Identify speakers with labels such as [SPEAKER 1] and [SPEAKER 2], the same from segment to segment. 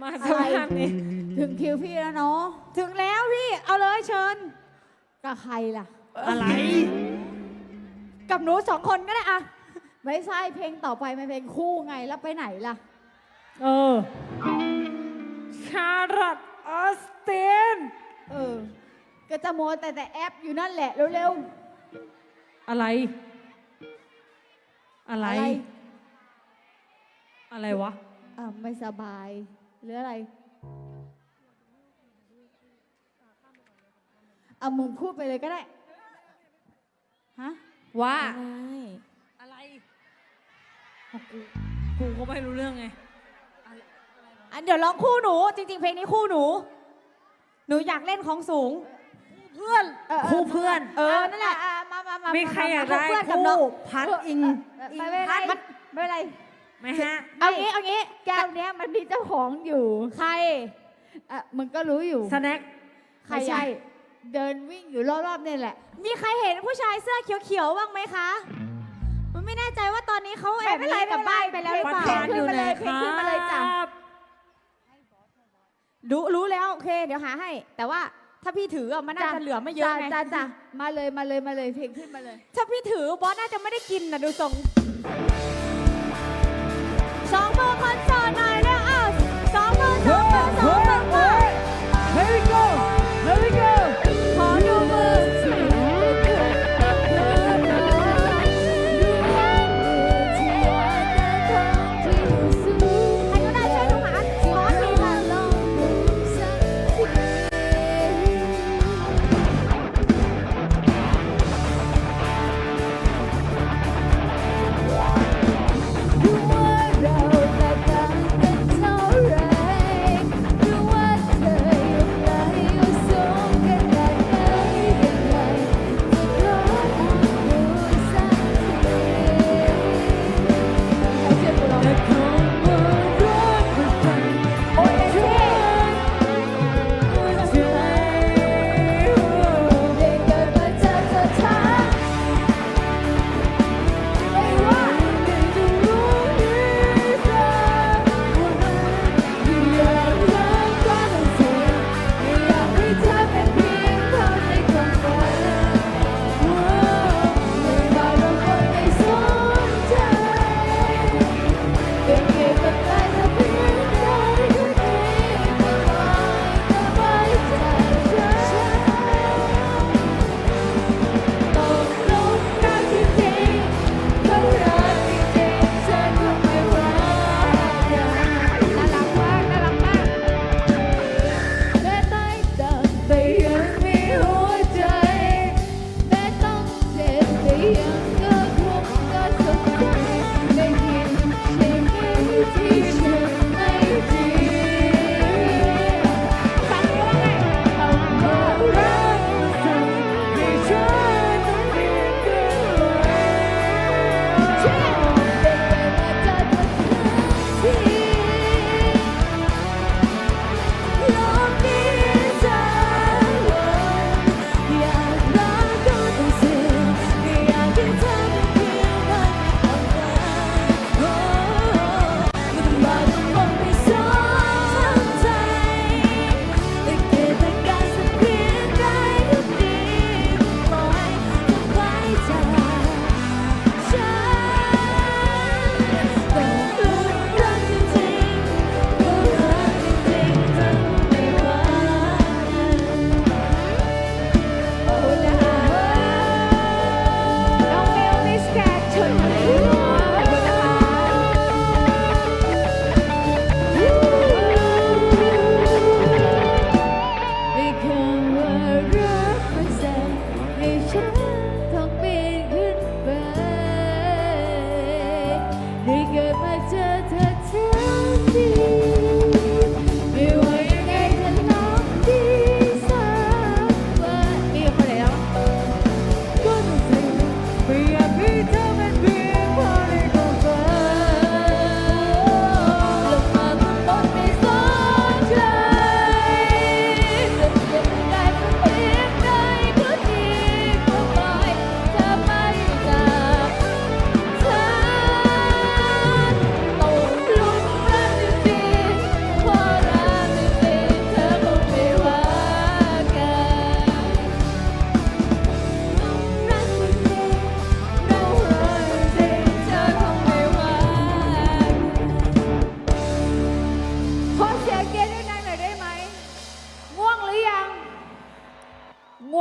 [SPEAKER 1] มาสภาพนี้
[SPEAKER 2] ถึงคิวพี่แล้วเนาะ
[SPEAKER 3] ถึงแล้วพี่เอาเลยเชิญ
[SPEAKER 2] กับใครล่ะ
[SPEAKER 1] อะไร
[SPEAKER 3] กับหนูสองคนก็ได้อะ
[SPEAKER 2] ไม่ใช่เพลงต่อไปมันเพลงคู่ไงแล้วไปไหนล่ะ
[SPEAKER 1] ชาร์ลอตออสติน
[SPEAKER 2] ก็จะโมวแต่แอปอยู่นั่นแหละเร็ว
[SPEAKER 1] อะไร
[SPEAKER 2] ๆ
[SPEAKER 1] อะไร อะไรวะ
[SPEAKER 2] ไม่สบายหรืออะไรเอามึงพูดไปเลยก็ได้ฮะ
[SPEAKER 1] ว่า
[SPEAKER 3] อะไร
[SPEAKER 1] อะไรกูก็ไม่รู้เรื่องไง
[SPEAKER 3] อันเดี๋ยวร้องคู่หนู จริง ๆ เพลงนี้คู่หนู หนูอยากเล่นของสูง
[SPEAKER 1] เพื่อน คู่เพื่อน
[SPEAKER 3] นั่นแหละ
[SPEAKER 2] มา
[SPEAKER 1] มีใครอยากได้
[SPEAKER 3] เพื่อนกับน้อง
[SPEAKER 1] คู่พัดอิง
[SPEAKER 2] ไม่เป็นไร
[SPEAKER 3] มัน
[SPEAKER 2] ไม่เป็นไร
[SPEAKER 1] ไหมฮะ
[SPEAKER 3] เอางี้
[SPEAKER 2] แก้วเนี้ยมันมีเจ้าของอยู่
[SPEAKER 3] ใคร
[SPEAKER 2] มึงก็รู้อยู่
[SPEAKER 1] สแน็ค
[SPEAKER 3] ใคร
[SPEAKER 2] ไม่ใช่
[SPEAKER 3] อะ
[SPEAKER 2] เดินวิ่งอยู่รอบๆเนี่ยแหละ
[SPEAKER 3] มีใครเห็นผู้ชายเสื้อเขียวๆบ้างไหมคะ มันไม่แน่ใจว่าตอนนี้เขาแอบหนีกลับบ้านไปแล้วหรือ
[SPEAKER 1] ประ
[SPEAKER 3] เปล่า
[SPEAKER 1] ธานอยู่ไหน
[SPEAKER 2] เพ
[SPEAKER 1] ค
[SPEAKER 2] ลง
[SPEAKER 1] รั
[SPEAKER 2] ขึ้นมาเลยจ้ะ
[SPEAKER 1] บ
[SPEAKER 3] รู้แล้วโอเค เดี๋ยวหาให้ แต่ว่าถ้าพี่ถืออะมันน่าจะเหลือไม่เยอะไง
[SPEAKER 2] จ้ามาเลยเพลงขึ้นมาเลย
[SPEAKER 3] ถ้าพี่ถือบอสน่าจะไม่ได้กินนะดูทรงสองมือคนโสดหน่อยเร็วอ้าวสองมือสองมือสองมือ
[SPEAKER 1] Here we go Here we go
[SPEAKER 3] ขอดูมือใครก็ได้ช่วยดูหาขอทีค่ะ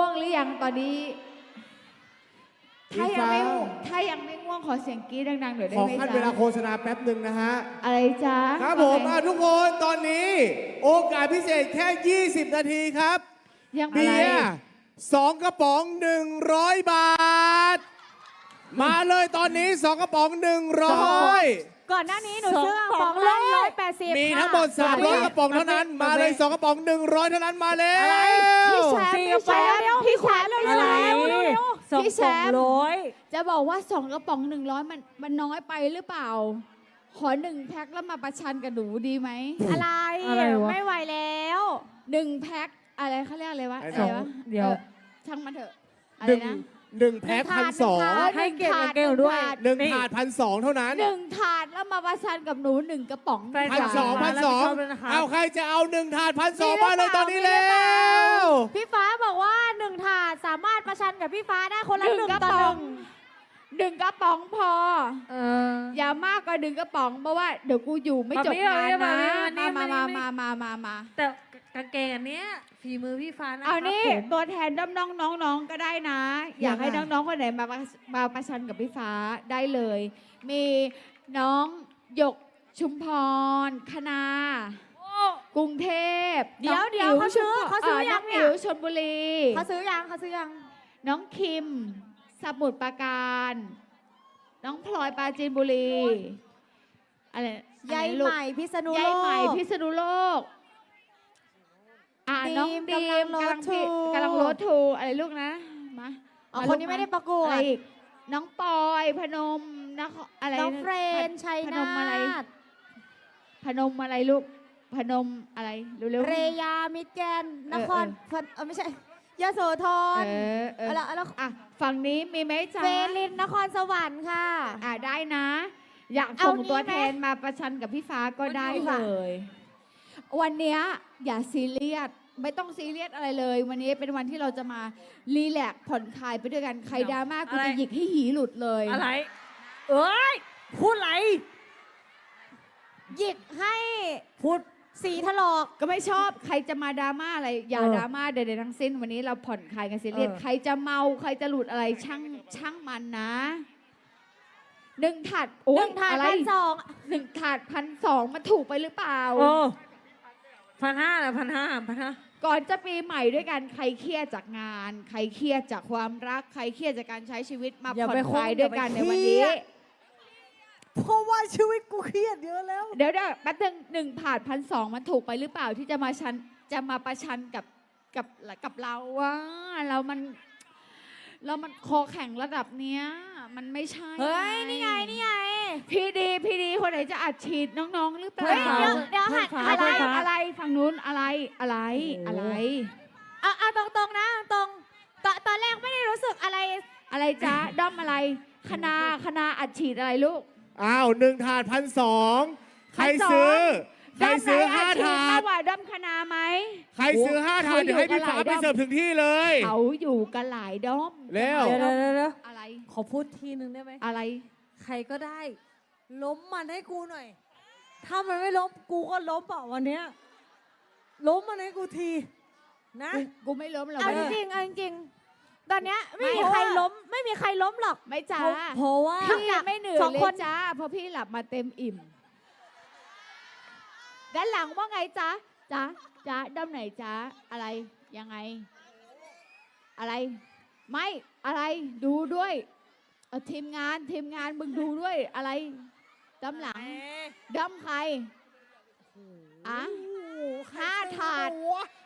[SPEAKER 2] วงหรือยังตอนนี้ ถ้ายังไม่ง่วงขอเสียงกรี๊ดดังๆหน่อยได้
[SPEAKER 4] ขอ
[SPEAKER 2] ไหม
[SPEAKER 4] ขั้นเวลา
[SPEAKER 2] จ๊ะ
[SPEAKER 4] โฆษณาแป๊บหนึ่งนะฮะ
[SPEAKER 2] อะไรจ๊ะ
[SPEAKER 4] ครับผม
[SPEAKER 2] ว่าไง
[SPEAKER 4] ทุกคนตอนนี้ โอกาสพิเศษแค่ 20 นาทีครับ
[SPEAKER 2] ยัง
[SPEAKER 4] เบี
[SPEAKER 2] อะไร
[SPEAKER 4] ยร์2 กระป๋อง 100 บาท มาเลยตอนนี้ 2 กระป๋อง 100
[SPEAKER 3] ก่อนหน้านี้หนู
[SPEAKER 1] สอง
[SPEAKER 3] ซื้อกระป๋อง
[SPEAKER 1] กระป๋
[SPEAKER 3] ละ
[SPEAKER 1] อง
[SPEAKER 3] 180
[SPEAKER 4] มีทั้งหมด
[SPEAKER 3] ค่ะ
[SPEAKER 4] 300 กระป๋องเท่านั้น มาเลย 2 กระป๋อง 100 เท่านั้นมาแล้
[SPEAKER 2] พี่
[SPEAKER 4] ว
[SPEAKER 2] แชมป์
[SPEAKER 1] สี่
[SPEAKER 2] พี่แชมป์
[SPEAKER 3] เร็วๆ
[SPEAKER 2] พี่แชมป์
[SPEAKER 3] เร็วๆ
[SPEAKER 2] พี่แชมป์
[SPEAKER 1] สอง
[SPEAKER 2] พี่แช
[SPEAKER 1] สอง
[SPEAKER 2] มป์
[SPEAKER 1] ร้อย
[SPEAKER 2] จะบอกว่า2 กระป๋อง 100มันน้อยไปหรือเปล่า ขอ1 แพ็คแล้วมาประชันกับหนูดีไหม
[SPEAKER 3] อะไร
[SPEAKER 1] อะไรวะ
[SPEAKER 3] ไม่ไหวแล้ว
[SPEAKER 2] 1 แพ็คอะไรเขาเรียกอะไรวะ
[SPEAKER 4] ไอ้
[SPEAKER 2] อะ
[SPEAKER 4] ส
[SPEAKER 2] ไร
[SPEAKER 4] อง
[SPEAKER 2] วะ
[SPEAKER 1] เดี๋ยว
[SPEAKER 2] ช่างมันเถอะอะไร
[SPEAKER 4] หนึ่ง
[SPEAKER 2] นะ
[SPEAKER 4] 1 แพ็ค
[SPEAKER 2] หนึ่งถาด
[SPEAKER 4] 1,200
[SPEAKER 1] ให้เกียรติกับเกลด้วย
[SPEAKER 4] 1 ถาด 1,200 เท่านั้น
[SPEAKER 2] 1 ถาดแล้วมาประชันกับหนู 1 กระป๋อง
[SPEAKER 1] แฟน
[SPEAKER 4] พัน
[SPEAKER 1] คลับ
[SPEAKER 4] สอง
[SPEAKER 1] มา
[SPEAKER 4] พัน
[SPEAKER 1] รับ
[SPEAKER 4] ส
[SPEAKER 1] ผิ
[SPEAKER 4] อ
[SPEAKER 1] ด
[SPEAKER 4] ง
[SPEAKER 1] ชอบด้วยนะคะ
[SPEAKER 4] เอาใครจะเอา1 ถาด 1,200 มาเลยตอนนี้
[SPEAKER 2] มีหรื
[SPEAKER 4] แล้
[SPEAKER 2] อเปล่า
[SPEAKER 4] ว
[SPEAKER 3] พี่ฟ้าบอกว่า1 ถาดสามารถประชันกับพี่ฟ้าได้คนละ
[SPEAKER 2] 1
[SPEAKER 3] 1
[SPEAKER 2] กระ
[SPEAKER 3] ต่อ
[SPEAKER 2] ป๋อง
[SPEAKER 3] 1
[SPEAKER 2] 1 กระป๋องพอ
[SPEAKER 1] เออ
[SPEAKER 2] อย่ามากกว่า1 กระป๋องเพราะว่าเดี๋ยวกูอยู่ไม่จบ
[SPEAKER 1] มา
[SPEAKER 2] งาน
[SPEAKER 1] มา
[SPEAKER 2] นะ
[SPEAKER 1] นี่
[SPEAKER 2] มา
[SPEAKER 1] มา
[SPEAKER 2] มา
[SPEAKER 1] นี่
[SPEAKER 2] มา
[SPEAKER 1] แต่กางเกงอันเนี้ยฝีมือพี่ฟ้านะค
[SPEAKER 2] เอา
[SPEAKER 1] รับ
[SPEAKER 2] นี่
[SPEAKER 1] ผม
[SPEAKER 2] ตัวแทนน้องน้องๆก็ได้นะ อยากให้น้องๆคนไหนมาประชันกับพี่ฟ้าได้เลย มีน้องหยกชุมพรคณากรุงเทพ
[SPEAKER 3] เดี๋ยว
[SPEAKER 2] น้ง
[SPEAKER 3] เดี๋ยว
[SPEAKER 2] อิ๋
[SPEAKER 3] เขาซื้อ
[SPEAKER 2] ชุมพร
[SPEAKER 3] เขาซื้อยัง
[SPEAKER 2] น้อง
[SPEAKER 3] เนี่ย
[SPEAKER 2] อิ๋วชลบุรี
[SPEAKER 3] เขาซื้อยังเขาซื้อยัง
[SPEAKER 2] น้องคิมสมุทรปราการ น้องพลอยปราจีนบุรีอะไร
[SPEAKER 3] ยาย
[SPEAKER 2] อะไรลู
[SPEAKER 3] ให
[SPEAKER 2] ก
[SPEAKER 3] ม่พิษณุโลก
[SPEAKER 2] ยายใหม่พิษณุโลกน้อง
[SPEAKER 3] ดี
[SPEAKER 2] ดี
[SPEAKER 3] ม
[SPEAKER 2] ม
[SPEAKER 3] กำลัง
[SPEAKER 2] กำลัง
[SPEAKER 3] road to
[SPEAKER 2] รถทูอะไรลูกนะมา
[SPEAKER 3] อ๋อ
[SPEAKER 2] มา
[SPEAKER 3] คน
[SPEAKER 2] ลูก
[SPEAKER 3] นี้ไม่ได้ประกว
[SPEAKER 2] อะไร
[SPEAKER 3] ด
[SPEAKER 2] อีกน้องปอยพนมนะอะไร
[SPEAKER 3] น้องเฟรนชัย
[SPEAKER 2] พน
[SPEAKER 3] นาม
[SPEAKER 2] อะไร
[SPEAKER 3] ถ
[SPEAKER 2] พนมอะไรลูกพนมอะไรเร็วๆ
[SPEAKER 3] เรยามิตรแกนนครไม่ใช่ยโสธร
[SPEAKER 2] แล้วอ่ะฝั่งนี้มีไหมจ๊ะ
[SPEAKER 3] เฟลินนครสวรรค์ค่ะ
[SPEAKER 2] ได้นะ อยาก
[SPEAKER 3] เอา
[SPEAKER 2] ส่ง
[SPEAKER 3] นี้
[SPEAKER 2] ตัว
[SPEAKER 3] ไหม
[SPEAKER 2] แทนมาประชันกับพี่ฟ้าก็ได้
[SPEAKER 3] วันนี้
[SPEAKER 2] เล
[SPEAKER 3] ค่ะ
[SPEAKER 2] ย วันเนี้ยอย่าซีเรียสไม่ต้องซีเรียสอะไรเลย วันนี้เป็นวันที่เราจะมารีแลกซ์ผ่อนคลายไปด้วยกันใครดราม่ากูจะหยิกให้หีหลุดเลย
[SPEAKER 1] อะไร เอ้ย พูดอะไร
[SPEAKER 3] หยิกให้
[SPEAKER 1] พูด
[SPEAKER 3] สีถลอก
[SPEAKER 2] ก็ไม่ชอบใครจะมาดราม่าอะไรอย่า
[SPEAKER 1] เออ
[SPEAKER 2] ดราม่าใดๆทั้งสิ้นวันนี้เราผ่อนคลายกันซีเรียส
[SPEAKER 1] เออ
[SPEAKER 2] ใครจะเมาใครจะหลุดอะไรช่างมันนะ1 ถาดโอ๊ย
[SPEAKER 3] 1 ถาด
[SPEAKER 2] อะไร
[SPEAKER 3] 1,200
[SPEAKER 2] 1 ถาด1,200มันถูกไปหรือเปล่า
[SPEAKER 1] โอ้1,500นะ1,500
[SPEAKER 2] ก่อนจะปีใหม่ด้วยกันใครเครียดจากงาน ใครเครียดจากความรัก ใครเครียดจากการใช้ชีวิตมา
[SPEAKER 1] อย่า
[SPEAKER 2] ผ่อน
[SPEAKER 1] ไป
[SPEAKER 2] คลาย
[SPEAKER 1] คบ
[SPEAKER 2] ด้วยกัน
[SPEAKER 1] อย่า
[SPEAKER 2] ใน
[SPEAKER 1] ไป
[SPEAKER 2] วัน
[SPEAKER 1] เครี
[SPEAKER 2] นี้
[SPEAKER 1] ยด เพราะว่าชีวิตกูเครียดเยอะแล้ว
[SPEAKER 2] เดี๋ยวแป๊บนึงถาด1,200มันถูกไปหรือเปล่าที่จะมาประชันกับเราว่าเรามันคอแข็งระดับเนี้ยมันไม่ใช่
[SPEAKER 3] เฮ้ย นี่ไง
[SPEAKER 2] พี่ดีคนไหนจะอัดฉีดน้องๆหรือเปล่า
[SPEAKER 3] เฮ้ยเดี๋ยวหัน
[SPEAKER 2] อะไรฝั่งนู้นอะไร
[SPEAKER 3] เอาตรงๆนะตรงตอนแรกไม่ได้รู้สึกอะไร
[SPEAKER 2] อะไรจ๊ะ ด้อมอะไรคณาอัดฉีดอะไรลูก
[SPEAKER 4] อ้าว1 ถาด 1,200 ใครซื้อ ใครซื้อ 5 ถา
[SPEAKER 2] มา
[SPEAKER 4] ด
[SPEAKER 2] กกว่าด้อมคณาไหม
[SPEAKER 4] ใครซื้อ 5 ถาด เดี๋ยวให้พี่ฟ้าไปเสิร์ฟถึงที่เลย
[SPEAKER 2] เขาอยู่กันหลายด้อม
[SPEAKER 4] เร็ว
[SPEAKER 1] เดี๋ยว
[SPEAKER 2] อะไร
[SPEAKER 1] ขอพูดทีนึงได้ไหม
[SPEAKER 2] อะไร
[SPEAKER 1] ใครก็ได้ ล้มมันให้กูหน่อย ถ้ามันไม่ล้มกูก็ล้มเปล่าวันเนี้ยล้มมันให้กูที นะ
[SPEAKER 2] กูไม่ล้มหรอก
[SPEAKER 3] เอา
[SPEAKER 2] แม่
[SPEAKER 3] จริงตอนเนี้ยไม่มี
[SPEAKER 2] ไม่
[SPEAKER 3] ใครล้มหรอก
[SPEAKER 2] ไม่จ้า
[SPEAKER 1] เพราะว่า
[SPEAKER 2] พี่ไม่เหนื่อย
[SPEAKER 3] สอง
[SPEAKER 2] เล
[SPEAKER 3] ค
[SPEAKER 2] ย
[SPEAKER 3] น
[SPEAKER 2] จ้าเพราะพี่หลับมาเต็มอิ่มด้านหลังว่าไงจ๊ะด้อมไหนจ๊ะอะไรยังไง อะไร ไม่อะไรดูด้วยเอาทีมงานมึงดูด้วยอะไรด้อมหลังด้อมใครอ่ะ 5 ถาด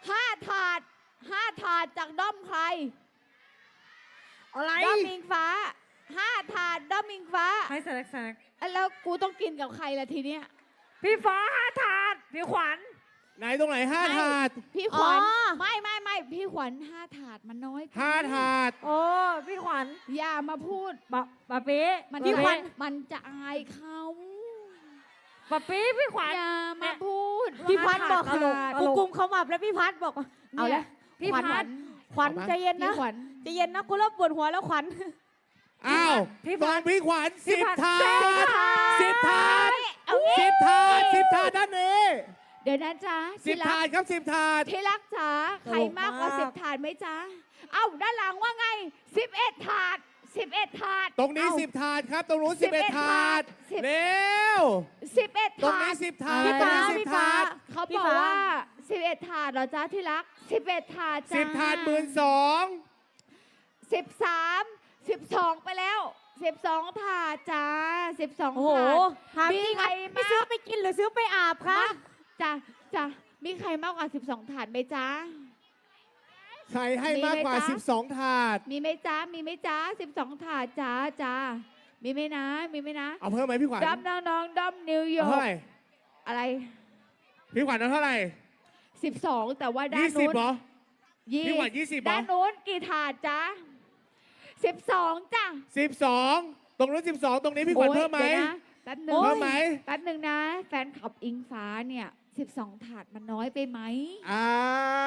[SPEAKER 2] 5 ถาดจากด้อมใคร
[SPEAKER 1] อะไร
[SPEAKER 2] ด้อมมิงฟ้า 5 ถาดด้อมมิงฟ้า
[SPEAKER 1] ให้สแน็ค
[SPEAKER 2] แล้วกูต้องกินกับใครล่ะทีเนี้ย
[SPEAKER 1] พี่ฟ้าถาด พี่ขวัญ
[SPEAKER 4] ไหนตรงไหน 5 ถาด
[SPEAKER 2] พี่ขวัญ
[SPEAKER 3] อ๋อ
[SPEAKER 2] ไม่พี่ขวัญ5 ถาดมันน้อยไป
[SPEAKER 4] 5 ถาด
[SPEAKER 1] โอ้พี่ขวัญ
[SPEAKER 2] อย่ามาพูด
[SPEAKER 1] ปะเป๊ะ
[SPEAKER 2] มัน
[SPEAKER 1] พี่ขวัญ
[SPEAKER 2] มันจะอายเขา
[SPEAKER 1] ปะเป๊ะพี่ขวัญ
[SPEAKER 2] อย่ามาพูด
[SPEAKER 3] พี่พัดบอก
[SPEAKER 1] ตลก
[SPEAKER 3] กูกุมเขามับแล้วพี่พัดบอกว่า
[SPEAKER 2] เอาละ
[SPEAKER 1] พี่
[SPEAKER 2] ขวัญ
[SPEAKER 1] พัด
[SPEAKER 3] ขวัญ
[SPEAKER 4] เอามา
[SPEAKER 3] ใจเย็น
[SPEAKER 2] พี่
[SPEAKER 3] นะ
[SPEAKER 2] ขวัญ
[SPEAKER 3] ใจเย็นนะกูเริ่มปวดหัวแล้วขวัญ
[SPEAKER 4] อ้าว
[SPEAKER 1] พี่
[SPEAKER 4] ฟั
[SPEAKER 1] พั
[SPEAKER 4] ง
[SPEAKER 1] ด
[SPEAKER 4] พี่ขวัญ
[SPEAKER 1] พี่
[SPEAKER 4] 10
[SPEAKER 1] พัด
[SPEAKER 4] ถาด
[SPEAKER 1] 10
[SPEAKER 4] 10 ถาด
[SPEAKER 3] เอางี้
[SPEAKER 4] 10 ถาด 10 ถาดด้านนี้
[SPEAKER 2] ดี๋ยวนะจ๊ะ
[SPEAKER 4] สิบ
[SPEAKER 2] ที่รั
[SPEAKER 4] ถาก ดครับ10 ถาด
[SPEAKER 2] ที่รักจ๋าใครมากกว่า10 ถาดไหมจ๊ะเอ้าด้านหลังว่าไง11 ถาด11 ถาด
[SPEAKER 4] ตรงนี้
[SPEAKER 2] เอ้า
[SPEAKER 4] 10 ถาดครับ ตรงนู้น11 ถาด
[SPEAKER 2] 10
[SPEAKER 4] เร็ว
[SPEAKER 2] 11
[SPEAKER 4] ตรง
[SPEAKER 2] ถา
[SPEAKER 4] นี้
[SPEAKER 2] ด
[SPEAKER 4] 10 ถาด
[SPEAKER 3] พี่
[SPEAKER 4] ตรง
[SPEAKER 3] ฟ้า
[SPEAKER 4] นี้
[SPEAKER 3] พี่
[SPEAKER 4] 10
[SPEAKER 3] ฟ้า
[SPEAKER 4] ถาด
[SPEAKER 2] เขา
[SPEAKER 3] พี่
[SPEAKER 2] บอก
[SPEAKER 3] ฟ้า
[SPEAKER 2] ว่า11 ถาดเหรอจ๊ะที่รัก11 ถาดจ้า
[SPEAKER 4] 10 ถาด12,000
[SPEAKER 2] 12 ไปแล้ว12 ถาดจ้า12
[SPEAKER 3] โอ้โห
[SPEAKER 2] ถาด
[SPEAKER 3] ถามจริง
[SPEAKER 2] ใคร
[SPEAKER 3] ไม่ซื้อไปกินหรือซื้อไปอาบคะ
[SPEAKER 2] จ้ะจ้ะมีใครมากกว่า12 ถาดไหมจ๊ะ
[SPEAKER 4] ใครให้มากกว่า
[SPEAKER 2] มีไหมจ๊ะ
[SPEAKER 4] 12 ถาด
[SPEAKER 2] มีไหมจ๊ะมีไหมจ๊ะ12 ถาดจ้าจ้ามีไหมนะมีไหมนะ
[SPEAKER 4] เอาเพิ่มไหมพี่ขวัญ
[SPEAKER 2] ดอมน้องๆดอมนิวยอ
[SPEAKER 4] เอา
[SPEAKER 2] ร์
[SPEAKER 4] เท่าก ไหร่
[SPEAKER 2] อะไร
[SPEAKER 4] พี่ขวัญเอาเท่าไหร่
[SPEAKER 2] 12 แต่ว่าด้าน
[SPEAKER 4] 20
[SPEAKER 2] นู้น
[SPEAKER 4] เหรอ พี่ขวัญ20เหรอ
[SPEAKER 2] ด้านนู้นกี่ถาดจ๊ะ12จ้ะ
[SPEAKER 4] 12 ตรงนู้น12 ตรงนี้พี่ขวัญ
[SPEAKER 2] โอ๊ย
[SPEAKER 4] เพิ่มไหม
[SPEAKER 2] ดี๋ยวนะแป๊บหนึง
[SPEAKER 4] เพิ่มไหม
[SPEAKER 2] แป๊บหนึงนะ แฟนขับอิงฟ้าเนี่ย12 ถาดมันน้อยไปไหม
[SPEAKER 4] อ่า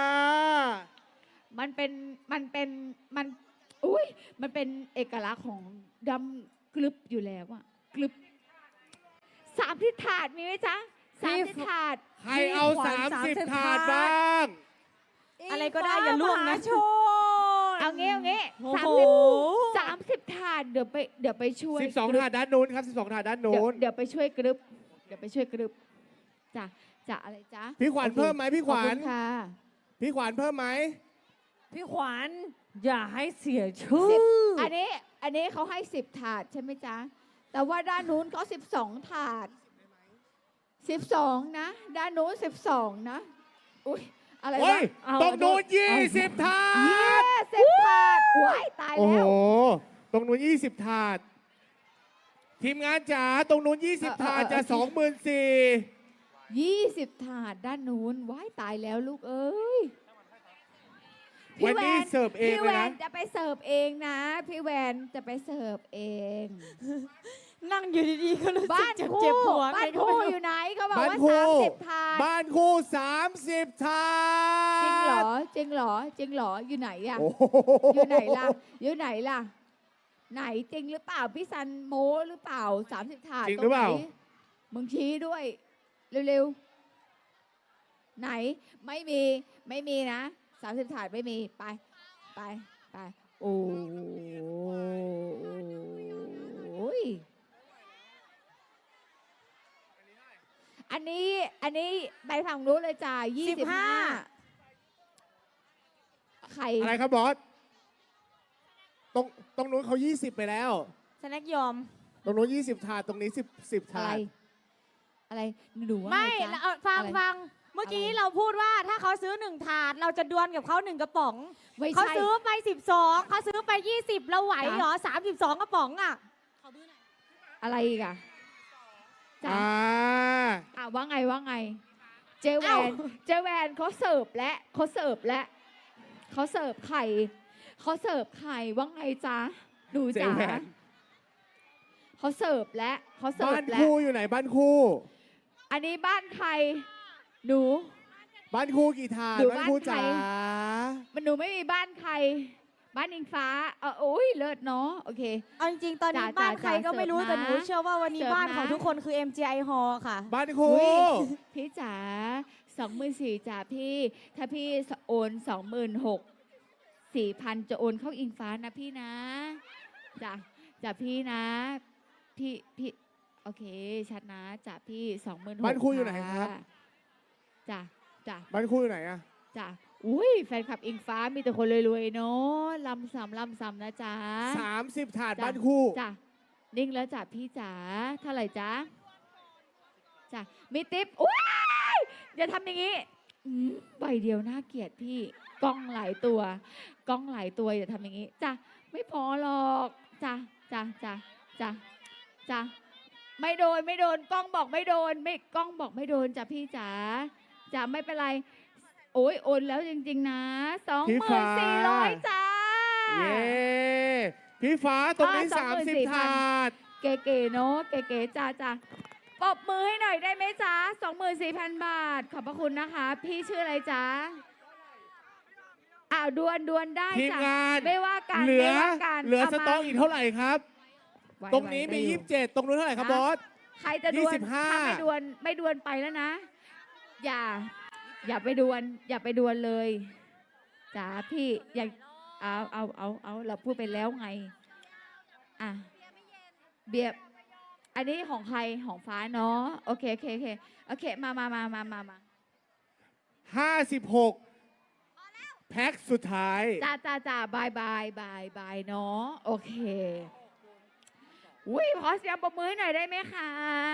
[SPEAKER 2] มันอุ้ยมันเป็นเอกลักษณ์ของดำกรึบอยู่แล้วอะกรึบ30 ถาดมีไหมจ๊ะ30 ถาด
[SPEAKER 4] ใครเอา
[SPEAKER 1] พี่ขวัญ
[SPEAKER 4] 30
[SPEAKER 1] 30
[SPEAKER 4] ถาดบ้าง
[SPEAKER 3] อะไรก็ได้อย่าล่วงนะ
[SPEAKER 1] โชน
[SPEAKER 2] เอางี้
[SPEAKER 1] โอ้โห
[SPEAKER 2] 30 ถาดเดี๋ยวไปช่วย
[SPEAKER 4] 12 ถาดด้านนู้นครับ 12 ถาดด้านนู้น
[SPEAKER 2] เดี๋ยวไปช่วยกรึบจ้ะอะไรจ๊ะ
[SPEAKER 4] พี่ขวัญ
[SPEAKER 2] โอค
[SPEAKER 4] เพิ่มไหมพี่ขวัญ
[SPEAKER 2] ขอบคุณค่ะ
[SPEAKER 4] พี่ขวัญเพิ่มไหม
[SPEAKER 1] พี่ขวัญอย่าให้เสียชื่อ
[SPEAKER 2] อันนี้เขาให้10 ถาดใช่ไหมจ๊ะ แต่ว่าด้านนู้นเขา12 ถาด12นะ ด้านนู้น12นะอุ้ยอะไร
[SPEAKER 4] เฮ้
[SPEAKER 2] วะ
[SPEAKER 4] ย
[SPEAKER 1] เอา
[SPEAKER 4] ตรงนู้น
[SPEAKER 1] เอา
[SPEAKER 4] 20 ถา
[SPEAKER 2] 10
[SPEAKER 4] ด
[SPEAKER 2] ถาดว้ายตาย
[SPEAKER 4] โอ้
[SPEAKER 2] แล้
[SPEAKER 4] โห
[SPEAKER 2] ว
[SPEAKER 4] ตรงนู้น20 ถาด ทีมงานจ๋า ตรงนู้น20 ถาดจะ 24,000
[SPEAKER 2] 20 ถาดด้านนู้นว้ายตายแล้วลูกเอ้ย
[SPEAKER 4] วันนี้เสิร์ฟเอง
[SPEAKER 2] พี่
[SPEAKER 4] เล
[SPEAKER 2] แวย
[SPEAKER 4] นะ
[SPEAKER 2] นจะไปเสิร์ฟเองนะ พี่แวนจะไปเสิร์ฟเอง
[SPEAKER 3] นั่งอยู่ดีๆก็รู้สึ
[SPEAKER 2] บ้าก น
[SPEAKER 3] เจ็บ
[SPEAKER 2] คู่
[SPEAKER 3] เจ็บหัว
[SPEAKER 2] บ้าน
[SPEAKER 3] ไงก็
[SPEAKER 2] คู่
[SPEAKER 3] ไม่รู้
[SPEAKER 2] อยู่ไหนเขาบอก
[SPEAKER 4] บ้าน
[SPEAKER 2] ว่า
[SPEAKER 4] คู่
[SPEAKER 2] 30 ถาด
[SPEAKER 4] บ้านคู่30 ถาด
[SPEAKER 2] จริงเหรอจริงเหรอจริงเหรออยู่ไหนอะ
[SPEAKER 4] โอ้โห
[SPEAKER 2] อยู่ไหนล่ะอยู่ไหนล่ะ ไหนจริงหรือเปล่าพี่ซันโม้หรือเปล่า30 ถาด
[SPEAKER 4] จริงหรือเปล่า
[SPEAKER 2] ตงไหนมึงชี้ด้วย เร็วๆไหนไม่มีนะ30 ถาดไม่มีไปโอ้ยอันนี้ไปฝั่งนู้นเลยจ้า25ไข่
[SPEAKER 4] อะไรครับบอส ตรงนู้นเขา20 ไปแล้ว
[SPEAKER 3] สแน็คยอม
[SPEAKER 4] ตรงนู้น20 ถาด ตรงนี้10
[SPEAKER 2] อะ
[SPEAKER 4] ถา
[SPEAKER 2] ไร
[SPEAKER 4] ด
[SPEAKER 2] อะไรหนูว่า
[SPEAKER 3] ไม่
[SPEAKER 2] งจ๊ะ
[SPEAKER 3] แล้วเอาฟัง
[SPEAKER 2] อะไร
[SPEAKER 3] ฟังเมื่อกี้
[SPEAKER 2] อะไร
[SPEAKER 3] เราพูดว่าถ้าเขาซื้อ1 ถาด เราจะดวลกับเขา1 กระป๋อง
[SPEAKER 2] ไม่
[SPEAKER 3] เขา
[SPEAKER 2] ใช่
[SPEAKER 3] ซื้อไป12เขาซื้อไป20เราไหวเหรอ32 กระป๋องอ่ะ
[SPEAKER 2] อะไรอีกอะจ้ะ
[SPEAKER 4] อ่า
[SPEAKER 2] ว่าไง เจแว
[SPEAKER 3] เอ้า
[SPEAKER 2] นเขาเสิร์ฟและเขาเสิร์ฟไข่ว่าไงจ๊ะหนู
[SPEAKER 4] เจ
[SPEAKER 2] จ๋า
[SPEAKER 4] แวน
[SPEAKER 2] เขาเสิร์ฟและเขาเสิร์
[SPEAKER 4] บ้า
[SPEAKER 2] ฟ
[SPEAKER 4] น
[SPEAKER 2] และ
[SPEAKER 4] คู่อยู่ไหนบ้านคู่
[SPEAKER 2] อันนี้บ้านใครหนู
[SPEAKER 4] บ้านคู่กี่ถาด
[SPEAKER 2] อยู่
[SPEAKER 4] บ้านคู่
[SPEAKER 2] บ้านใคร
[SPEAKER 4] จ๋า
[SPEAKER 2] มันหนูไม่มีบ้านใคร บ้านอิงฟ้าโอ้ยเลิศเนาะโอเค
[SPEAKER 3] เอาจริงๆตอนนี้
[SPEAKER 2] จ้ะ
[SPEAKER 3] บ้านใครก็ไม่รู้
[SPEAKER 2] เสิร์ฟ
[SPEAKER 3] แต่หนู
[SPEAKER 2] นะ
[SPEAKER 3] เชื่อว่าวันนี้
[SPEAKER 2] เสิร์ฟ
[SPEAKER 3] บ้านของ
[SPEAKER 2] นะ
[SPEAKER 3] ทุกคนคือ MGI Hall ค่ะ
[SPEAKER 4] บ้านคู่
[SPEAKER 2] อุ๊ย พี่จ๋า24,000จ้าพี่ ถ้าพี่โอน26,000 4,000 จะโอนเข้าอิงฟ้านะพี่นะจ้ะพี่นะ พี่โอเคชัดนะจ้ะพี่26,000
[SPEAKER 4] บ้านคู่อยู่ไหนครับ
[SPEAKER 2] จ้ะ
[SPEAKER 4] บ้านคู่อยู่ไหนอะ
[SPEAKER 2] จ้ะอุ้ยแฟนคลับอิงฟ้ามีแต่คนรวยๆเนาะลำซ้ำนะจ๊ะ
[SPEAKER 4] 30 ถาด
[SPEAKER 2] จ้ะ
[SPEAKER 4] บ้านคู่
[SPEAKER 2] จ้ะนิ่งแล้วจ้ะพี่จ๋าเท่าไหร่จ๊ะจ้ะมีติ๊บอุ้ยอย่าทำอย่างนี้ใบเดียวน่าเกลียดพี่กล้องหลายตัวอย่าทำอย่างนี้จ้ะไม่พอหรอกจ้ะไม่โดนกล้องบอกไม่โดนกล้องบอกไม่โดนจ้ะพี่จ๋าจ้ะไม่เป็นไรโอ้ยโอนแล้วจริงๆนะ24,000จ้า
[SPEAKER 4] เย้พี่ฟ้าตรงนี้
[SPEAKER 2] อ่า
[SPEAKER 4] 30 ถาด
[SPEAKER 2] เก๋ๆเนาะเก๋ๆจ้าปรบมือให้หน่อยได้ไหมจ๊ะ24,000 บาท ขอบพระคุณนะคะ พี่ชื่ออะไรจ๊ะดวนได้
[SPEAKER 4] ทีม
[SPEAKER 2] จ้ะ
[SPEAKER 4] งาน
[SPEAKER 2] ไม่ว่ากัน
[SPEAKER 4] เหลือ
[SPEAKER 2] ไม่ว่ากัน
[SPEAKER 4] เหลือ
[SPEAKER 2] เอา
[SPEAKER 4] ส
[SPEAKER 2] มา
[SPEAKER 4] ต็อกอีกเท่าไหร่ครับ
[SPEAKER 2] ไหว
[SPEAKER 4] ตรงนี้มี
[SPEAKER 2] ได้อยู่
[SPEAKER 4] 27 ตรงนู้นเท่าไหร่ครับบอส
[SPEAKER 2] ใครจะดวน
[SPEAKER 4] 25
[SPEAKER 2] ถ้าไม่ดวนไปแล้วนะอย่า อย่าไปดวนอย่าไปดวนเลยจ๋าพี่อย่าเอาเราพูดไปแล้วไงอ่ะเบียร์อันนี้ของใครของฟ้าเนาะโอเคมา
[SPEAKER 4] 56 แพ็คสุดท้าย
[SPEAKER 2] จ้าบายเนาะโอเคอุ้ยขอเสียงปรบมือให้หน่อยได้ไหมคะ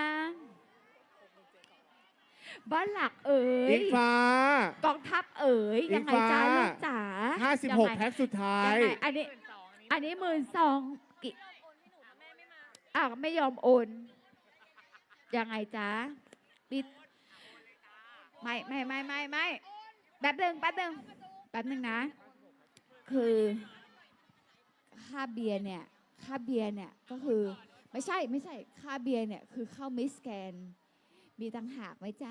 [SPEAKER 2] บ้านหลักเอ๋ย
[SPEAKER 4] อิงฟ้าก
[SPEAKER 2] องทัพเอ๋ยยังไงจ้าลูกจ๋า
[SPEAKER 4] 56 แพ็คสุดท้าย
[SPEAKER 2] ยังไงอันนี้12,000กี่ไม่ยอมโอนยังไงจ๊ะปิดไม่แป๊บนึงนะ คือค่าเบียร์เนี่ยก็คือไม่ใช่ค่าเบียร์เนี่ยคือเข้ามิสแกนมีตังหากไหมจ๊ะ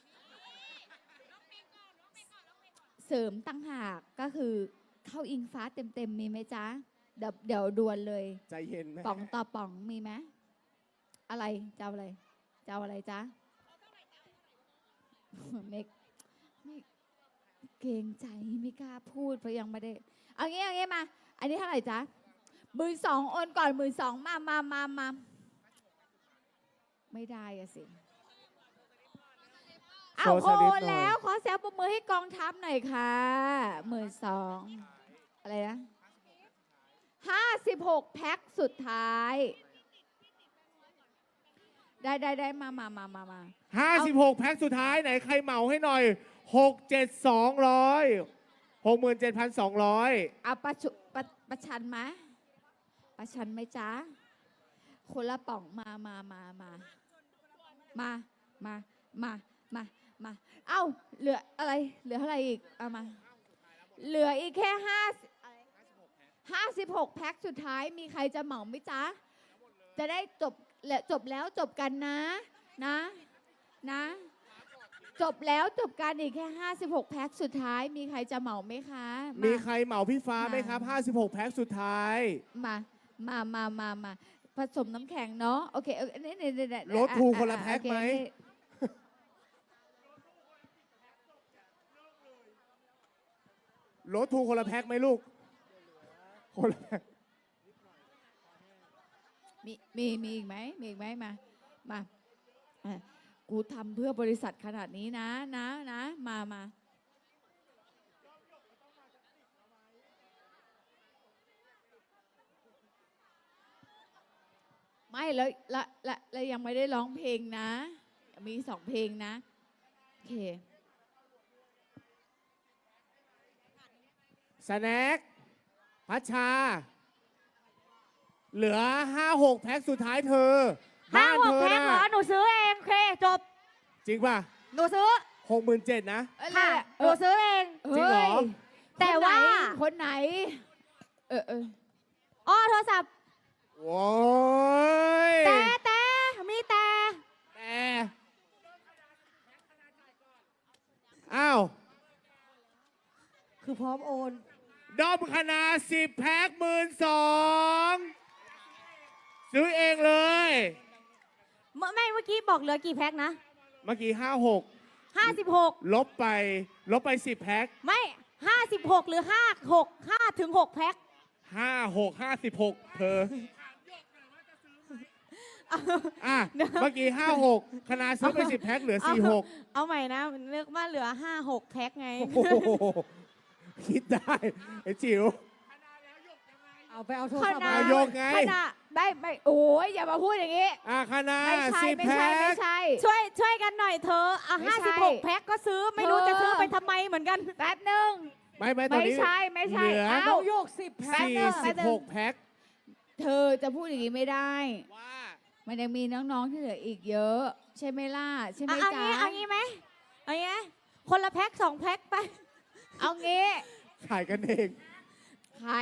[SPEAKER 2] เสริมตังหากก็คือเข้าอิงฟ้าเต็มมีไหมจ๊ะเดี๋ยวดวนเลย
[SPEAKER 4] ใจเย็นไหม
[SPEAKER 2] ป๋องต่อป๋องมีไหมอะไรจะเอาอะไรจ๊ะไม่เกรงใจไม่กล้าพูดเพราะยังไม่ได้เอางี้มาอันนี้เท่าไหร่จ๊ะ12,000โอนก่อน12,000มาไม่ได้อะสิเอาโอนแล้วขอเสียงปรบมือให้กองทัพหน่อยค่ะ12,000อะไรนะ56 แพ็คสุดท้ายได้มา
[SPEAKER 4] 56 แพ็คสุดท้ายไหนใครเหมาให้หน่อย 67,200 67,200
[SPEAKER 2] เอาประชันไหมประชันไหมจ๊ะคนละป๋องมาเอ้าเหลืออะไรเหลือเท่าไหร่อีกเอามาเหลืออีกแค่56 แพ็คสุดท้ายมีใครจะเหมาไหมจ๊ะจะได้จบแล้วจบกันนะจบแล้วจบกันอีกแค่56 แพ็คสุดท้ายมีใครจะเหมาไหมคะมี
[SPEAKER 4] ใครเหมาพี่ฟ้าไหมครับ56 แพ็คสุดท้าย
[SPEAKER 2] มาผสมน้ำแข็งเนาะโอเคนี่
[SPEAKER 4] ลดทูคนละแพ็คไหมลดทูคนละแพ็คไหมลูกคนละแพ็ค
[SPEAKER 2] มีอีกไหมมากูทำเพื่อบริษัทขนาดนี้นะมาไม่แล้วยังไม่ได้ร้องเพลงนะมี2 เพลงนะโอเค
[SPEAKER 4] สแน็คพัชชาเหลือ 56 แพ็คสุดท้ายเธอบ้านเธอ
[SPEAKER 3] 56 แพ็คเหรอ
[SPEAKER 4] นะ
[SPEAKER 3] หนูซื้อเองโอเคจบ
[SPEAKER 4] จริงป่ะ
[SPEAKER 3] หนูซื้อ
[SPEAKER 4] 67,000นะ
[SPEAKER 3] ค่ะหนูซื้อเอง
[SPEAKER 4] จริงเหรอ
[SPEAKER 3] แต่ว่า
[SPEAKER 2] คนไหน
[SPEAKER 3] อ๋อโทรศัพท์
[SPEAKER 4] โว้ย
[SPEAKER 3] แต่มีแต่
[SPEAKER 4] อ้าว
[SPEAKER 1] คือพร้อมโอน
[SPEAKER 4] ดอมคณา10 แพ็ค12,000ซื้อเองเลย
[SPEAKER 3] เมื่อกี้บอกเหลือกี่แพ็คนะ
[SPEAKER 4] เมื่อกี้
[SPEAKER 3] 56
[SPEAKER 4] ลบไป10 แพ็ค
[SPEAKER 3] ไม่56หรือ5ถึง6แพ็ค
[SPEAKER 4] 56 เธอเมื่อกี้56คณาซื้อไป10 แพ็คเหลือ46
[SPEAKER 3] เอาใหม่นะนึกว่าเหลือ5-6แพ็คไง
[SPEAKER 4] โอ้โหคิดได้ไอ้จิ๋ว
[SPEAKER 1] เอาไปเอาโทรศัพท์
[SPEAKER 4] นายกไง
[SPEAKER 2] คณะไม่โอ้ยอย่ามาพูดอย่างนี้
[SPEAKER 4] คณา
[SPEAKER 2] ไม่
[SPEAKER 4] 10 แพ็ค
[SPEAKER 2] ใช่
[SPEAKER 3] ช่วยกันหน่อยเธอ56แพ็คก็ซื้อไม่รู้จะซื้อไปทำไมเหมือนกัน
[SPEAKER 2] แป๊บนึง
[SPEAKER 4] ไม่ตอนนี้
[SPEAKER 2] ไม่ใช่
[SPEAKER 4] เหลือ
[SPEAKER 1] น้องโยก10 แพ็ค
[SPEAKER 4] 46 แพ็ค
[SPEAKER 2] เธอจะพูดอย่างนี้ไม่ได้
[SPEAKER 4] ว่า
[SPEAKER 2] มันยังมีน้องๆที่เหลืออีกเยอะ ใช่ไหมล่ะใช่ไหมจ๊ะ
[SPEAKER 3] เอางี้ไหมคนละแพ็ค2 แพ็คไป
[SPEAKER 2] เอางี้
[SPEAKER 4] ขายกันเอง
[SPEAKER 2] ใคร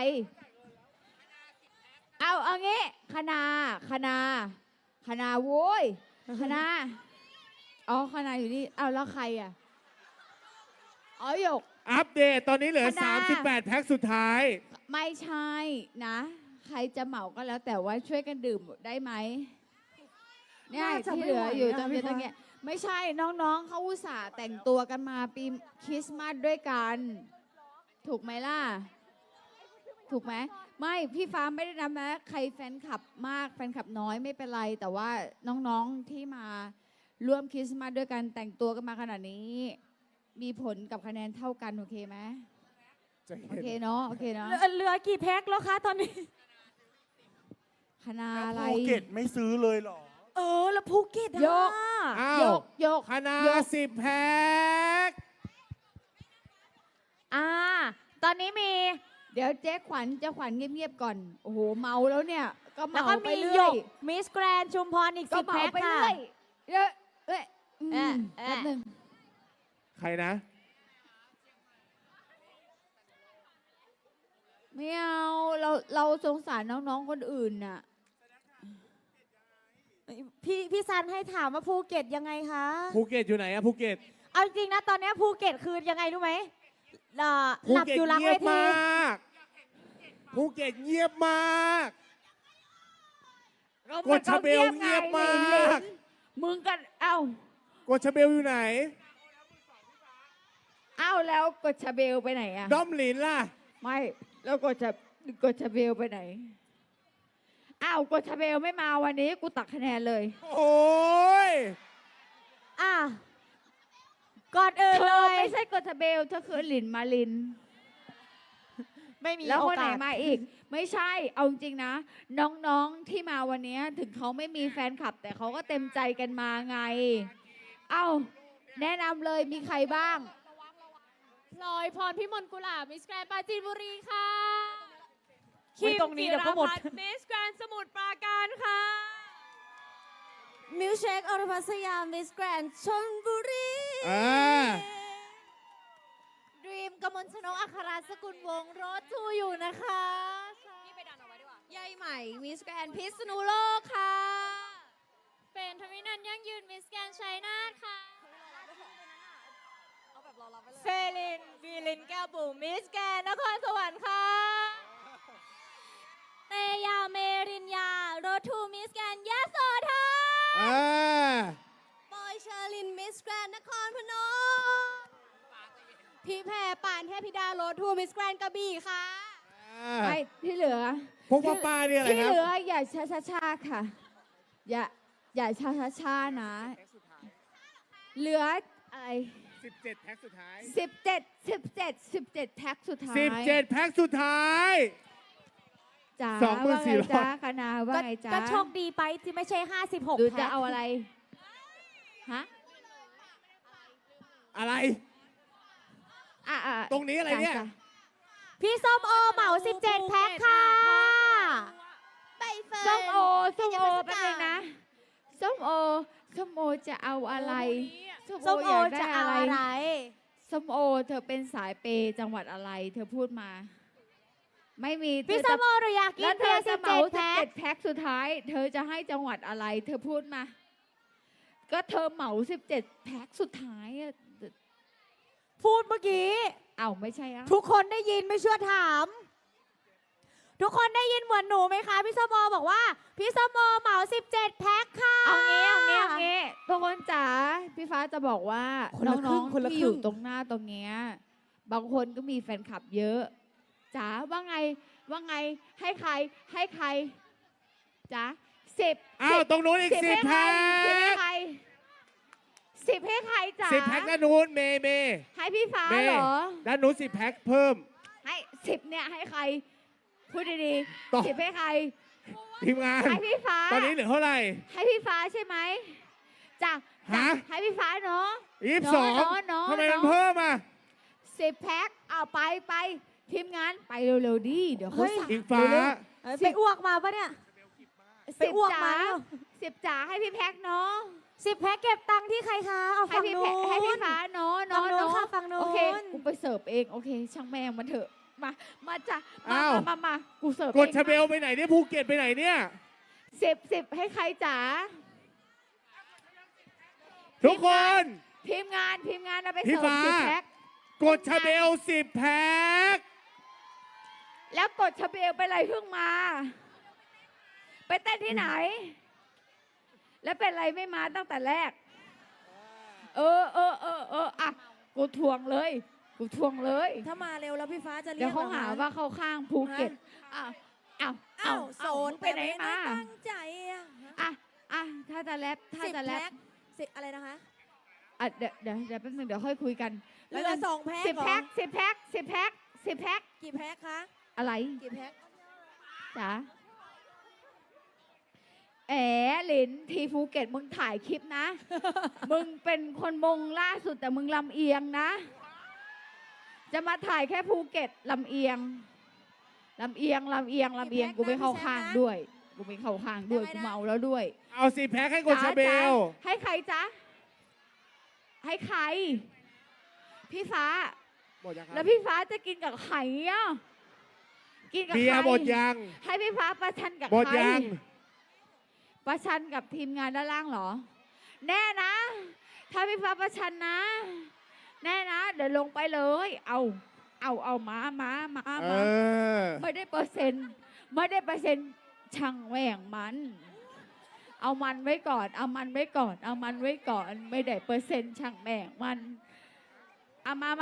[SPEAKER 2] เอางี้คณาโว้ยคณาคณาอยู่นี่แล้วใครอ่ะหยก
[SPEAKER 4] อัปเดตตอนนี้เหลือ38 แพ็คสุดท้าย
[SPEAKER 2] ไม่ใช่นะใครจะเหมาก็แล้วแต่ว่าช่วยกันดื่มได้ไหมเนี่ยที่เหลืออยู่ตรงนี้ไม่ใช่น้องๆเขาอุตส่าห์แต่งตัวกันมาปีคริสต์มาสด้วยกัน ถูกไหมล่ะ ถูกไหมไม่พี่ฟ้าไม่ได้นับนะใครแฟนคลับมากแฟนคลับน้อยไม่เป็นไร แต่ว่าน้องๆที่มาร่วมคริสต์มาสด้วยกันแต่งตัวกันมาขนาดนี้ มีผลกับคะแนนเท่ากันโอเคไหม
[SPEAKER 4] ใจ
[SPEAKER 2] โอ
[SPEAKER 4] เย็น
[SPEAKER 2] เคเนาะโอเคเนาะ
[SPEAKER 3] เหลือกี่แพ็คแล้วคะตอนนี้
[SPEAKER 2] คณะอะไร
[SPEAKER 5] ภูเก็ตไม่ซื้อเลยเหรอ
[SPEAKER 3] แล้วภูเก็ต
[SPEAKER 2] ยก
[SPEAKER 4] อ้าวย
[SPEAKER 2] กยก
[SPEAKER 4] คณะ
[SPEAKER 2] ยก
[SPEAKER 4] 10 แพ็ค
[SPEAKER 3] ตอนนี้มี
[SPEAKER 2] เดี๋ยวเจ๊ขวัญเงียบๆก่อนโอ้โหเมาแล้วเนี่ยก็
[SPEAKER 3] แล้ว
[SPEAKER 2] เมา
[SPEAKER 3] ก็
[SPEAKER 2] ไป
[SPEAKER 3] มีห
[SPEAKER 2] เรื่
[SPEAKER 3] ย
[SPEAKER 2] อย
[SPEAKER 3] กมิสแกรนชุมพรอีก
[SPEAKER 2] ก็
[SPEAKER 3] 10
[SPEAKER 2] เมา
[SPEAKER 3] แพ็ค
[SPEAKER 2] ไป
[SPEAKER 3] ค่ะ
[SPEAKER 2] เรื่อยเอ้ยเอ้ย
[SPEAKER 3] เอ๊ะ
[SPEAKER 2] แป๊บนึง
[SPEAKER 4] ใครนะ
[SPEAKER 2] ไม่เอาเราสงสารน้องๆคนอื่นน่ะ
[SPEAKER 3] พี่ซันให้ถามว่าภูเก็ตยังไงคะ
[SPEAKER 4] ภูเก็ตอยู่ไหนอะภูเก็ต
[SPEAKER 3] เอาจริงนะตอนนี้ภูเก็ตคือยังไงรู้ไหม
[SPEAKER 4] ภู
[SPEAKER 3] หลับ
[SPEAKER 4] เก็ต
[SPEAKER 3] อยู่หลัง
[SPEAKER 4] เงี
[SPEAKER 3] เวย
[SPEAKER 4] บ
[SPEAKER 3] ที
[SPEAKER 4] มากภูเก็ตเงียบมาก กดชาเบลเงียบมาก
[SPEAKER 2] มึงกันเอ้าก
[SPEAKER 4] ดชาเบลอยู่ไหน
[SPEAKER 2] เอ้าแล้วกดชาเบลไปไหนอะ
[SPEAKER 4] ด้อมหลินล่ะ
[SPEAKER 2] ไม่แล้วกดชาเบลไปไหนอ้าวกดชาเบลไม่มาวันนี้กูตักคะแนนเลย
[SPEAKER 4] โอ้ย
[SPEAKER 3] อ่ะก่อนอื่น
[SPEAKER 2] เธ
[SPEAKER 3] เล
[SPEAKER 2] อย ไม่ใช่กดชาเบลเธอคือหลินมาลิน
[SPEAKER 3] ไม่มี
[SPEAKER 2] แล้ว
[SPEAKER 3] โอ
[SPEAKER 2] คนไหน
[SPEAKER 3] กาส
[SPEAKER 2] มาอีก ไม่ใช่เอาจริงๆนะ น้องๆที่มาวันนี้ถึงเขาไม่มีแฟนคลับ แต่เขาก็เต็มใจกันมาไง เอ้าแนะนำเลยมีใครบ้าง
[SPEAKER 6] พลอยพรพิมลกุหลาบมิสแกรนปราจีนบุรีค่ะ
[SPEAKER 3] คิมตรงนี้เดี๋ยวก็หมด
[SPEAKER 6] มิสแกรนสมุทรปราการค่ะ
[SPEAKER 3] มิวเชคอรพัสยามิสแกรนชลบุรี
[SPEAKER 4] อ่า
[SPEAKER 3] ดรีมกมลชนกอัครสกุลวงศ์รถทูอยู่นะคะนี่ไปดันเอาไว้ดีกว่ายายใหม่มิสแกรนพิษณุโลกค่ะ
[SPEAKER 6] เป็นทวินันท์ยั่งยืนมิสแกรนชัยนาทค่ะ
[SPEAKER 3] เฟลินวีลินแก้วบุ๋มมิสแกรนนครสวรรค์ค่ะ
[SPEAKER 6] เตยาเมรินยาโรทูมิสแกรนยะโสธร
[SPEAKER 4] อ่า
[SPEAKER 3] ปอยเชอรินมิสแกรนนครพนมพี่แพรป่านเทพิดาโรทูมิสแกรนกระบี่ค่ะ
[SPEAKER 2] ไม่ที่เหลือ
[SPEAKER 4] พวกป้าๆเนี่ยอะไร
[SPEAKER 2] ที่
[SPEAKER 4] ครั
[SPEAKER 2] เห
[SPEAKER 4] บ
[SPEAKER 2] ลืออย่าช้าๆค่ะ อย่าช้าๆนะ เหลืออะไร
[SPEAKER 4] 17 แพ็คสุดท้าย
[SPEAKER 2] 17แท็กสุดท้าย
[SPEAKER 4] 17 แพ็คสุดท้าย
[SPEAKER 2] จ๋า
[SPEAKER 4] 24,000
[SPEAKER 2] ว่าไงจ๊ะคณะว่าไงจ๊ะ
[SPEAKER 3] ก็โชคดีไปที่ไม่ใช่ 56
[SPEAKER 2] ดู
[SPEAKER 3] แพ็
[SPEAKER 2] จะ
[SPEAKER 3] ค
[SPEAKER 2] เอาอะไร ฮะ
[SPEAKER 4] อะไร
[SPEAKER 2] อ่ะ
[SPEAKER 4] ตรงนี้อะไรเนี่ย
[SPEAKER 2] จ้ะ
[SPEAKER 3] พี่ส้มโอเหมา 17 แพ็คค่ะใบเฟิร์น
[SPEAKER 2] ส้มโอแป๊บนึงนะส้มโอจะเอาอะไรส้ม
[SPEAKER 3] ส้ม
[SPEAKER 2] โอ
[SPEAKER 3] โอ
[SPEAKER 2] อยาก
[SPEAKER 3] จะ
[SPEAKER 2] ได้
[SPEAKER 3] เอา
[SPEAKER 2] อะไร
[SPEAKER 3] อะไร
[SPEAKER 2] ส้มโอเธอเป็นสายเปย์จังหวัดอะไร เธอพูดมา ไม่มี
[SPEAKER 3] พี่
[SPEAKER 2] เธ
[SPEAKER 3] ส้
[SPEAKER 2] อ
[SPEAKER 3] มโอหนูอยากกิ
[SPEAKER 2] แล้
[SPEAKER 3] น
[SPEAKER 2] วเธ
[SPEAKER 3] เพีย
[SPEAKER 2] อ
[SPEAKER 3] ร์
[SPEAKER 2] จะเหมา
[SPEAKER 3] 17 แพ็ค
[SPEAKER 2] 17แพ็คสุดท้าย เธอจะให้จังหวัดอะไร เธอพูดมา ก็เธอเหมา17แพ็คสุดท้ายอะ
[SPEAKER 3] พูดเมื่อกี้
[SPEAKER 2] เอ้าไม่ใช่อ่ะ
[SPEAKER 3] ทุกคนได้ยินไม่เชื่อถาม ทุกคนได้ยินเหมือนหนูไหมคะพี่ส้มโอบอกว่า พี่ส้มโอเหมา 17 แพ็คค่ะ
[SPEAKER 2] เอางี้ทุกคนจ๋าพี่ฟ้าจะบอกว่า
[SPEAKER 3] คนละครึ่
[SPEAKER 2] น้อง
[SPEAKER 3] งคนละ
[SPEAKER 2] ๆที่
[SPEAKER 3] ครึ่
[SPEAKER 2] อง ยู่ตรงหน้าตรงเนี้ยบางคนก็มีแฟนคลับเยอะจ๋าว่าไงให้ใครจ๋า10
[SPEAKER 4] อ้าว ตรงนู้นอีก 10 แพ็ค
[SPEAKER 2] 10ให้ใครจ๋า
[SPEAKER 4] 10 แพ็คด้านนู้นเมย์
[SPEAKER 2] ให้พี่ฟ้า
[SPEAKER 4] เม
[SPEAKER 2] เหร
[SPEAKER 4] ย์
[SPEAKER 2] อ
[SPEAKER 4] ด้านนู้น10 แพ็คเพิ่ม
[SPEAKER 2] ให้10เนี่ยให้ใครพูดดี
[SPEAKER 4] ต่อ
[SPEAKER 2] ๆ10ให้ใคร
[SPEAKER 4] ทีมงาน
[SPEAKER 2] ให้พี่ฟ้า
[SPEAKER 4] ตอนนี้เหลือเท่าไหร่
[SPEAKER 2] ให้พี่ฟ้าใช่ไหมจ้ะ
[SPEAKER 4] ฮะ
[SPEAKER 2] ให้พี่ฟ้าเนาะ
[SPEAKER 4] 22
[SPEAKER 2] น้อง
[SPEAKER 4] ทำไมมันเพิ่มอ่ะ
[SPEAKER 2] 10แพ็คเอาไปทีมงานไปเร็วๆดิเดี๋ยวเขาสั่ง
[SPEAKER 4] อิงฟ้า
[SPEAKER 2] เร็ว
[SPEAKER 3] ไปอ้วกมาปะเนี่ย
[SPEAKER 2] ๆ
[SPEAKER 3] ไปอ้วกมา
[SPEAKER 2] 10จ๋าให้พี่แพ็คเนาะ
[SPEAKER 3] 10 แพ็คเก็บตังค์ที่ใครคะ เอา
[SPEAKER 2] ให้
[SPEAKER 3] ฝั่ง
[SPEAKER 2] พี่
[SPEAKER 3] นู้
[SPEAKER 2] แพ็
[SPEAKER 3] น
[SPEAKER 2] คให้พี่ฟ้าเนาะ
[SPEAKER 3] ฝั่งนู้น
[SPEAKER 2] เนาะ
[SPEAKER 3] ค่ะฝั่งนู้น
[SPEAKER 2] โอเคกูไปเสิร์ฟเองโอเค ช่างแม่งมันเถอะมาจ้ะมา
[SPEAKER 4] อ้าว
[SPEAKER 2] มากูเสิร์ฟ
[SPEAKER 4] ก
[SPEAKER 2] เอ
[SPEAKER 4] ด
[SPEAKER 2] ง
[SPEAKER 4] ชาเบลไปไหนเนี่ยภูเก็ตไปไหนเนี่ย
[SPEAKER 2] 10ให้ใครจ๋า
[SPEAKER 4] ทุกคน
[SPEAKER 2] ทีมงานเอาไป
[SPEAKER 4] พี่
[SPEAKER 2] เสิร์ฟ
[SPEAKER 4] ฟ้า
[SPEAKER 2] 10แพ็ค
[SPEAKER 4] กดชาเบล 10 แพ็ค
[SPEAKER 2] แล้วกดชาเบลไปอะไรเพิ่งมา ไปเต้นที่ไหน แล้วเป็นอะไรไม่มาตั้งแต่แรกอ่ะกูทวงเลยกูทวงเลย
[SPEAKER 1] ถ้ามาเร็วแล้วพี่ฟ้าจะเรียก
[SPEAKER 2] เดี๋ยวเขาหาว่าเข้าข้างภูเก็ตอ้าวอ้าว
[SPEAKER 1] อ้าวโซน
[SPEAKER 2] ไปไหนมา
[SPEAKER 1] ตั้งใจอ่ะ
[SPEAKER 2] อ่ะถ้าจะแรปถ้า
[SPEAKER 1] 10
[SPEAKER 2] จะแร
[SPEAKER 1] แพ็
[SPEAKER 2] ป
[SPEAKER 1] คสิอะไรนะคะ
[SPEAKER 2] อ่ะเดี๋ยวแป๊บนึงเดี๋ยวค่อยคุยกัน
[SPEAKER 1] เหลือ2 แพ็ค
[SPEAKER 2] 10
[SPEAKER 1] เหรอ
[SPEAKER 2] แพ็ค10 แพ็ค10 แพ็ค10 แพ็ค
[SPEAKER 1] กี่แพ็คคะ
[SPEAKER 2] อะไร
[SPEAKER 1] กี่แพ็ค
[SPEAKER 2] จ๋าแอ๋หลินทีภูเก็ตมึงถ่ายคลิปนะ มึงเป็นคนมงล่าสุดแต่มึงลำเอียงนะ จะมาถ่ายแค่ภูเก็ตลำเอียงลำเอียงกูไม่เข้าข้างด้วยกูไม่เข้าข้างด้วยกูเมาแล้วด้วย
[SPEAKER 4] เอา10 แพ็คให้คุณชาเบล
[SPEAKER 2] ให้ใครจ๊ะให้ใครพี่ฟ้า
[SPEAKER 4] หมดยังค
[SPEAKER 2] แล้
[SPEAKER 4] รับ
[SPEAKER 2] วพี่ฟ้าจะกินกับใครอ่ะกินกับ
[SPEAKER 4] เบี
[SPEAKER 2] ใค
[SPEAKER 4] ย
[SPEAKER 2] ร
[SPEAKER 4] ร์หมดยัง
[SPEAKER 2] ให้พี่ฟ้าประชันกับ
[SPEAKER 4] หมด
[SPEAKER 2] ใคร
[SPEAKER 4] ยัง
[SPEAKER 2] ประชันกับทีมงานด้านล่างเหรอ แน่นะ ถ้าพี่ฟ้าประชันนะ แน่นะ เดี๋ยวลงไปเลย เอามา
[SPEAKER 4] เออ
[SPEAKER 2] ไม่ได้เปอร์เซ็นต์ช่างแหว่งมัน เอามันไว้ก่อน ไม่ได้เปอร์เซ็นต์ช่างแหว่งมันเอามา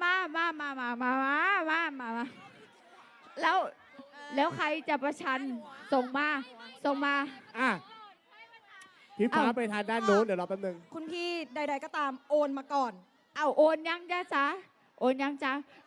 [SPEAKER 2] แล้วใครจะประชันส่งมา
[SPEAKER 4] อ่ะพี่ฟ้า
[SPEAKER 2] เอ้า
[SPEAKER 4] ไปทานด้านโน้นเดี๋ยวรอแป๊บนึง
[SPEAKER 1] คุณพี่ใด ๆ ก็ตามโอนมาก่อน
[SPEAKER 2] เอาโอนยังจ้าโอนยังจ้า